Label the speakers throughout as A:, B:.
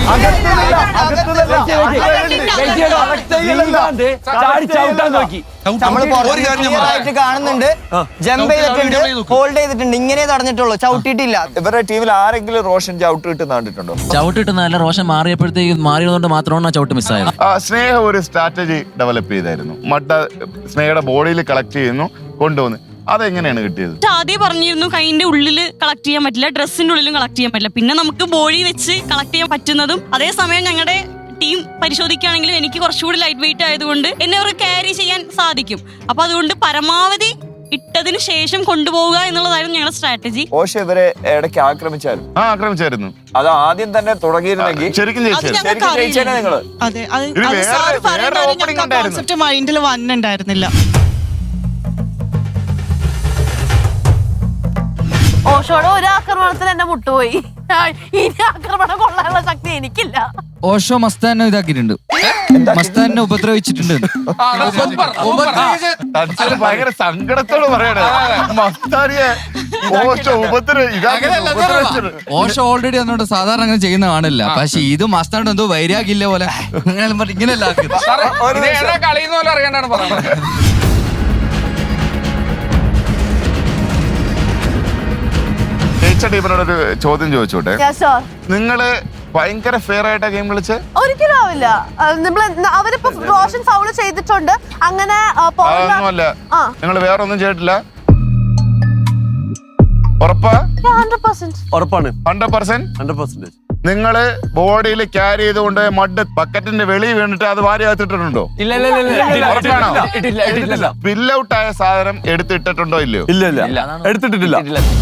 A: കാണുന്നുണ്ട്, ജമ്പ് ചെയ്തിട്ടുണ്ട്, ഹോൾഡ് ചെയ്തിട്ടുണ്ട്, ഇങ്ങനെ തടഞ്ഞിട്ടുള്ളൂ, ചവിട്ടിയിട്ടില്ല.
B: ഇവരുടെ ടീമിൽ ആരെങ്കിലും റോഷൻ ചവിട്ട് കിട്ടുന്ന കണ്ടിട്ടുണ്ടോ?
C: ചവിട്ട് കിട്ടുന്നതല്ല, റോഷൻ മാറിയപ്പോഴത്തേക്ക് മാറിയതുകൊണ്ട് മാത്രമാണ് ചവിട്ട് മിസ്സായത്.
D: സ്നേഹ ഒരു സ്ട്രാറ്റജി ഡെവലപ്പ് ചെയ്തായിരുന്നു. മട്ട സ്നേഹയുടെ ബോഡിയിൽ കളക്ട് ചെയ്യുന്നു, കൊണ്ടുവന്ന്. അതെങ്ങനെയാണ് കിട്ടിയത്?
E: ആദ്യം പറഞ്ഞിരുന്നു കൈന്റെ ഉള്ളിൽ കളക്ട് ചെയ്യാൻ പറ്റില്ല, ഡ്രസ്സിന്റെ ഉള്ളിലും കളക്ട് ചെയ്യാൻ പറ്റില്ല. പിന്നെ നമുക്ക് ബോഡി വെച്ച് കളക്ട് ചെയ്യാൻ പറ്റുന്നതും, അതേസമയം ഞങ്ങളുടെ ടീം പരിശോധിക്കുകയാണെങ്കിലും എനിക്ക് കുറച്ചുകൂടി ലൈറ്റ് വെയിറ്റ് ആയതുകൊണ്ട് എന്നെ അവർ ക്യാരി ചെയ്യാൻ സാധിക്കും. അപ്പൊ അതുകൊണ്ട് പരമാവധി ഇട്ടതിന് ശേഷം കൊണ്ടുപോവുക എന്നുള്ളതായിരുന്നു ഞങ്ങളുടെ സ്ട്രാറ്റജി.
B: പക്ഷെ ഇവരെ ഇടയ്ക്ക്
D: ആക്രമിച്ചായിരുന്നു.
B: അത് ആദ്യം തന്നെ തുടങ്ങിയിരുന്നെങ്കിൽ
D: ശരിക്കും
B: നിങ്ങള്
F: കോൺസെപ്റ്റ് മൈൻഡിൽ വന്നിട്ടുണ്ടായിരുന്നില്ല.
G: ഓഷോയുടെ ഒരു ആക്രമണത്തിൽ എന്റെ മുട്ടുപോയി. ഇനി ആക്രമണം കൊള്ളാനുള്ള ശക്തി എനിക്കില്ല.
H: ഓഷോ മസ്താനെ ഇതാക്കിയിട്ടുണ്ട്, മസ്താനെ ഉപദ്രവിച്ചിട്ടുണ്ട്.
D: ഭയങ്കര സങ്കടത്തോട് പറയണേ മസ്താനിയെ
H: ഓഷോ ഓൾറെഡി അതിനോട് സാധാരണ അങ്ങനെ ചെയ്യുന്ന കാണില്ല. പക്ഷെ ഇത് മസ്താനോട് എന്തോ വൈരാഗില്ല പോലെ ഇങ്ങനെയല്ല
I: കളിയുന്ന പോലെ അറിയാണ്ടാണ് പറയുന്നത്.
D: ടീമിനോടൊരു ചോദ്യം ചോദിച്ചോട്ടെ. നിങ്ങള് ഭയങ്കര ഫെയർ ആയിട്ടാ ഗെയിം കളിച്ച്?
G: ഒരിക്കലും ആവില്ല. അവരിപ്പോ റോഷൻ ഫൗള് ചെയ്തിട്ടുണ്ട്, അങ്ങനെ
D: അതൊന്നുമല്ല. നിങ്ങൾ വേറെ ഒന്നും ചെയ്തിട്ടില്ല? ഉറപ്പാ? 100%. നിങ്ങള് ബോഡിയിൽ ക്യാരി ചെയ്തുകൊണ്ട് മഡ് ബക്കറ്റിന്റെ വെളിയിൽ വീണിട്ട് അത് വാരി അകത്തിട്ടുണ്ടോ? ഫിൽ ഔട്ട് ആയ സാധനം എടുത്തിട്ടുണ്ടോ ഇല്ലയോ?
B: ഇല്ല, എടുത്തിട്ടില്ല.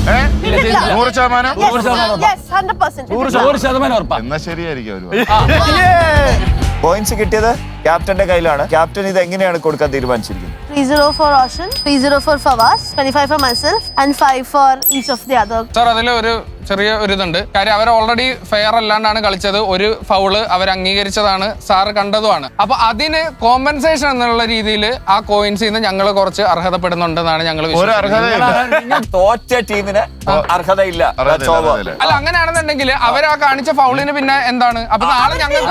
D: 100% എന്നാ ശരിയായിരിക്കും.
B: പോയിന്റ്സ് കിട്ടിയത് ക്യാപ്റ്റന്റെ കയ്യിലാണ്. ക്യാപ്റ്റൻ ഇത് എങ്ങനെയാണ് കൊടുക്കാൻ തീരുമാനിച്ചിരിക്കുന്നത്?
G: 3-0 for Roshan, 3-0 for Fawaz, 25 for myself and 5 for each of the other.
I: Sir അതിൽ ഒരു ചെറിയ ഒരു ഇതുണ്ട്. കാര്യം അവർ ഓൾറെഡി ഫെയർ അല്ലാണ്ടാണ് കളിച്ചത്. ഒരു ഫൗള് അവർ അംഗീകരിച്ചതാണ്, സാറ് കണ്ടതുമാണ്. അപ്പൊ അതിന് കോമ്പൻസേഷൻ എന്നുള്ള രീതിയിൽ ആ കോയിൻസിൽ നിന്ന് ഞങ്ങൾ കുറച്ച് അർഹതപ്പെടുന്നുണ്ടെന്നാണ് ഞങ്ങൾ
B: തോറ്റ ടീമിന് അർഹതയില്ല.
I: അല്ല, അങ്ങനെയാണെന്നുണ്ടെങ്കിൽ അവർ ആ കാണിച്ച ഫൗളിന് പിന്നെ എന്താണ്? അപ്പൊ നാളെ ഞങ്ങൾക്ക്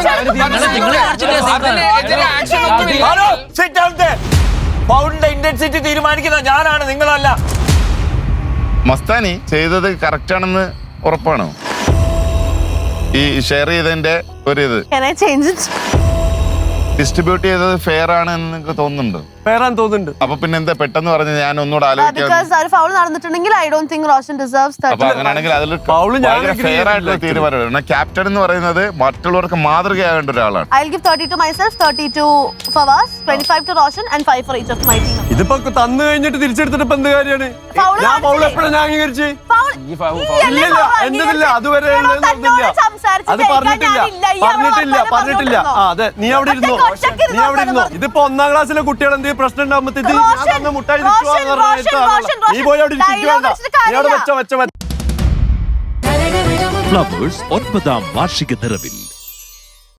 B: ഫൗളിന്റെ ഇന്റൻസിറ്റി തീരുമാനിക്കുന്ന ഞാനാണ്, നിങ്ങളല്ല.
D: മസ്താനി ചെയ്തത് കറക്റ്റ് ആണെന്ന് ഉറപ്പാണോ? ഈ ഷെയർ ചെയ്തതിന്റെ ഒരു ഇത് ഡിസ്ട്രിബ്യൂട്ട് ചെയ്തത് ഫെയർ ആണ് എന്ന് നിങ്ങൾക്ക് തോന്നുന്നുണ്ടോ? അപ്പൊ പിന്നെ എന്താ പെട്ടെന്ന് പറഞ്ഞ് ഞാൻ ഒന്നുകൂടെ
G: നടന്നിട്ടുണ്ടെങ്കിൽ I don't think Roshan deserves 30.
D: അപ്പൊ അങ്ങനെയാണെങ്കിൽ അതിൽ ഫെയർ ആയിട്ടുള്ള തീരുമാനമാണ്. ക്യാപ്റ്റൻ എന്ന് പറയുന്നത് മറ്റുള്ളവർക്ക് മാതൃകയാകേണ്ട ഒരാളാണ്.
G: I'll give 30 to myself, 30 to Fawaz, 25 to Roshan and 5 for each of my team.
J: ഇതിപ്പോ തന്നു കഴിഞ്ഞിട്ട് തിരിച്ചെടുത്തിട്ട് ഇപ്പൊ എന്ത് കാര്യമാണ്? ഞാൻ ഫൗൾ എപ്പോഴാണ് ഞാൻ അംഗീകരിച്ച്? എന്തില്ല അതുവരെ അത് പറഞ്ഞിട്ടില്ല. അതെ, നീ അവിടെ ഇരുന്നോ. ഇതിപ്പോ 1ാം ക്ലാസ്സിലെ കുട്ടികൾ എന്തെങ്കിലും പ്രശ്നം ഉണ്ടാകുമ്പോ മുട്ടായി നീ പോയി അവിടെ ഇരിക്കുവേണ്ട. നീ അവിടെ വെച്ചോ.
K: ഫ്ലവേഴ്സ് 9ാം വാർഷിക നിറവിൽ